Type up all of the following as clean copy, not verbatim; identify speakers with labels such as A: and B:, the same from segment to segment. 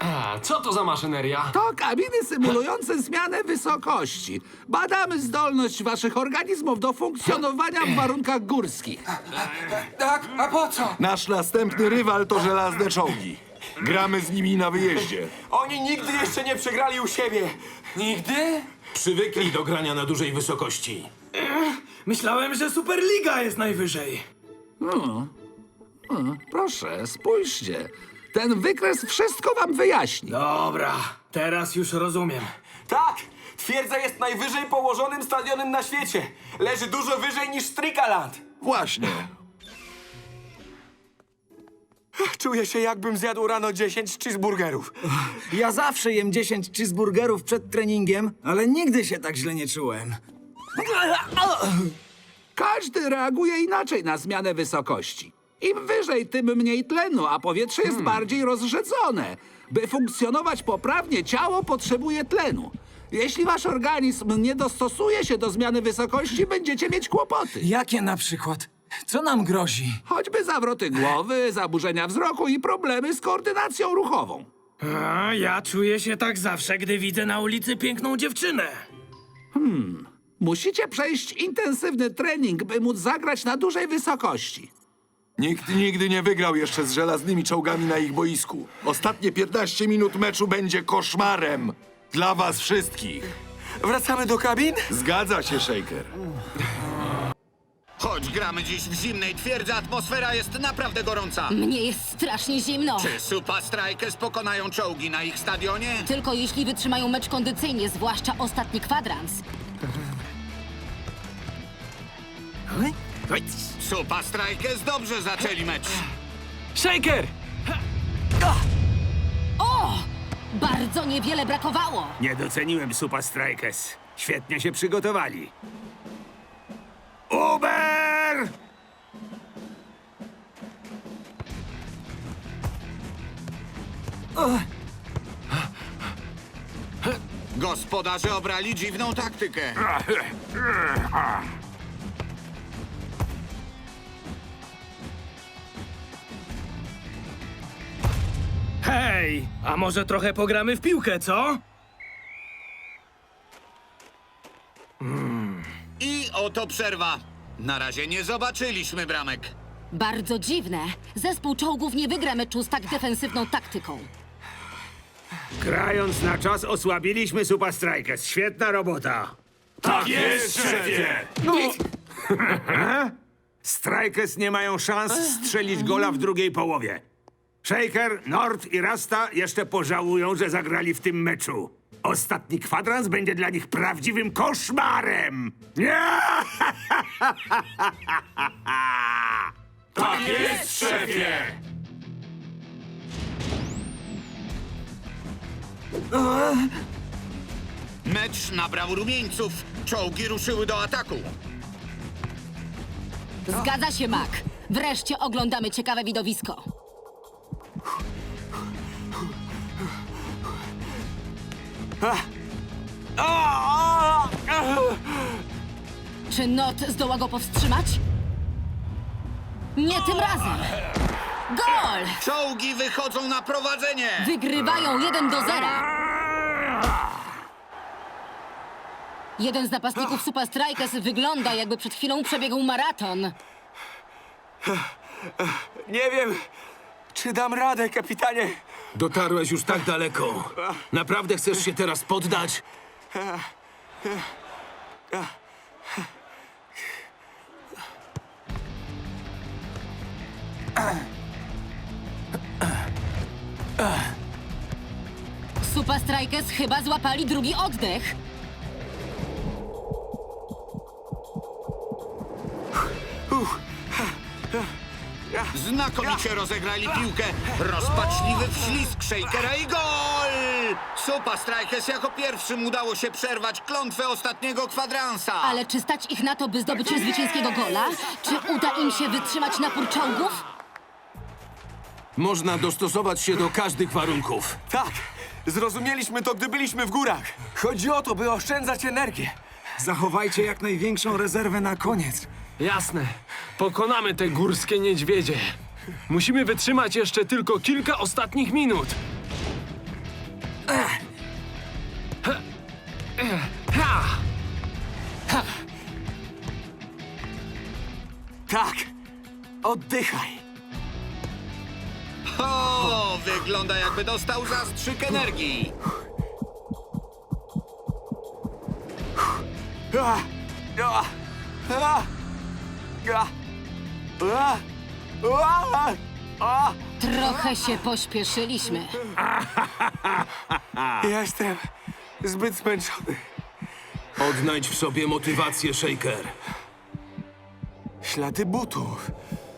A: A, co to za maszyneria?
B: To kabiny symulujące zmianę wysokości. Badamy zdolność waszych organizmów do funkcjonowania w warunkach górskich.
C: Tak, a po co?
D: Nasz następny rywal to żelazne czołgi. Gramy z nimi na wyjeździe.
C: Oni nigdy jeszcze nie przegrali u siebie. Nigdy?
E: Przywykli do grania na dużej wysokości.
F: Myślałem, że Superliga jest najwyżej.
B: Proszę, spójrzcie. Ten wykres wszystko wam wyjaśni.
F: Dobra, teraz już rozumiem.
C: Tak! Twierdza jest najwyżej położonym stadionem na świecie. Leży dużo wyżej niż Strikaland.
D: Właśnie.
C: Czuję się, jakbym zjadł rano 10 cheeseburgerów.
G: Ja zawsze jem 10 cheeseburgerów przed treningiem, ale nigdy się tak źle nie czułem.
B: Każdy reaguje inaczej na zmianę wysokości. Im wyżej, tym mniej tlenu, a powietrze jest bardziej rozrzedzone. By funkcjonować poprawnie, ciało potrzebuje tlenu. Jeśli wasz organizm nie dostosuje się do zmiany wysokości, będziecie mieć kłopoty.
G: Jakie na przykład? Co nam grozi?
B: Choćby zawroty głowy, zaburzenia wzroku i problemy z koordynacją ruchową.
F: A ja czuję się tak zawsze, gdy widzę na ulicy piękną dziewczynę.
B: Musicie przejść intensywny trening, by móc zagrać na dużej wysokości.
D: Nikt nigdy nie wygrał jeszcze z żelaznymi czołgami na ich boisku. Ostatnie 15 minut meczu będzie koszmarem. Dla was wszystkich.
C: Wracamy do kabin?
D: Zgadza się, Shaker.
H: Choć gramy dziś w zimnej twierdzy, atmosfera jest naprawdę gorąca.
I: Mnie jest strasznie zimno.
H: Czy Supa Strikers pokonają czołgi na ich stadionie?
I: Tylko jeśli wytrzymają mecz kondycyjnie, zwłaszcza ostatni kwadrans.
H: Supa Strikers dobrze zaczęli mecz.
A: Shaker!
I: O! Bardzo niewiele brakowało.
E: Nie doceniłem Supa Strikers. Świetnie się przygotowali. Uber!
H: Gospodarze obrali dziwną taktykę.
F: Hej, a może trochę pogramy w piłkę, co?
H: I oto przerwa. Na razie nie zobaczyliśmy bramek.
I: Bardzo dziwne. Zespół czołgów nie wygra meczu z tak defensywną taktyką.
E: Grając na czas osłabiliśmy Supa Strikers. Świetna robota. Tak jest, szefie! Strikers nie mają szans strzelić gola w drugiej połowie. Shaker, Nord i Rasta jeszcze pożałują, że zagrali w tym meczu. Ostatni kwadrans będzie dla nich prawdziwym koszmarem! Nie! Tak jest, szefie!
H: Mecz nabrał rumieńców. Czołgi ruszyły do ataku.
I: Zgadza się, Mac. Wreszcie oglądamy ciekawe widowisko. Czy Not zdoła go powstrzymać? Nie tym razem. Gol!
H: Czołgi wychodzą na prowadzenie.
I: Wygrywają 1-0. Jeden z napastników Supa Strikers wygląda, jakby przed chwilą przebiegł maraton.
C: Nie wiem, czy dam radę, kapitanie.
E: Dotarłeś już tak daleko. Naprawdę chcesz się teraz poddać?
I: Supa Strikers chyba złapali drugi oddech.
H: Znakomicie rozegrali piłkę. Rozpaczliwy wślizg Shakera i gol! Supa Strikers jako pierwszym udało się przerwać klątwę ostatniego kwadransa.
I: Ale czy stać ich na to, by zdobyć zwycięskiego gola? Czy uda im się wytrzymać napór czołgów?
E: Można dostosować się do każdych warunków.
C: Tak, zrozumieliśmy to, gdy byliśmy w górach. Chodzi o to, by oszczędzać energię.
G: Zachowajcie jak największą rezerwę na koniec.
A: Jasne. Pokonamy te górskie niedźwiedzie. Musimy wytrzymać jeszcze tylko kilka ostatnich minut.
C: oddychaj.
H: O, wygląda jakby dostał zastrzyk energii.
C: Ah, ah, ah, ah, ah, ah, ah.
I: Trochę się pośpieszyliśmy.
C: Jestem zbyt zmęczony.
A: Odnajdź w sobie motywację, Shaker.
C: Ślady butów.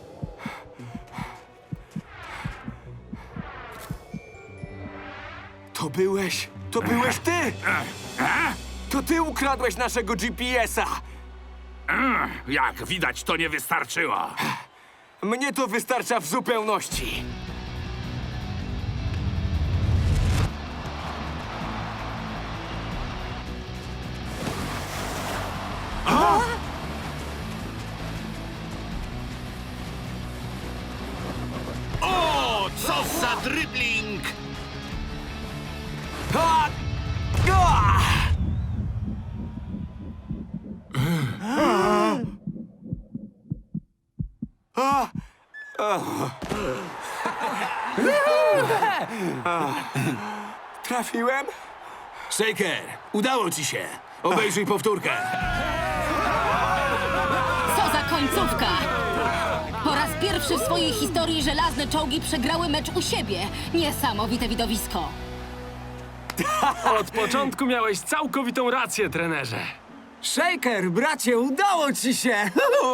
C: To byłeś ty! To ty ukradłeś naszego GPS-a!
E: Jak widać, to nie wystarczyło.
C: Mnie to wystarcza w zupełności.
H: O, co za dribbling!
C: Ah! Ah! Ah! Trafiłem?
A: Shaker, udało ci się. Obejrzyj powtórkę.
I: Co za końcówka! Po raz pierwszy w swojej historii żelazne czołgi przegrały mecz u siebie. Niesamowite widowisko.
A: Od początku miałeś całkowitą rację, trenerze.
G: Shaker, bracie, udało ci się!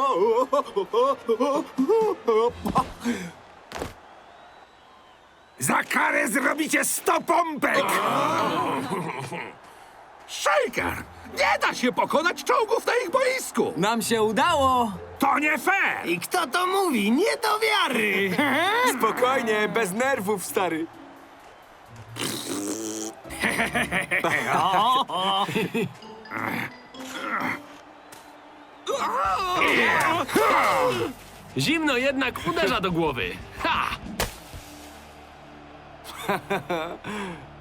E: Za karę zrobicie 100 pompek!
B: Shaker! Nie da się pokonać czołgów na ich boisku!
G: Nam się udało!
E: To nie fair!
G: I kto to mówi? Nie do wiary!
C: Spokojnie, bez nerwów, stary.
A: Zimno jednak uderza do głowy. Ha!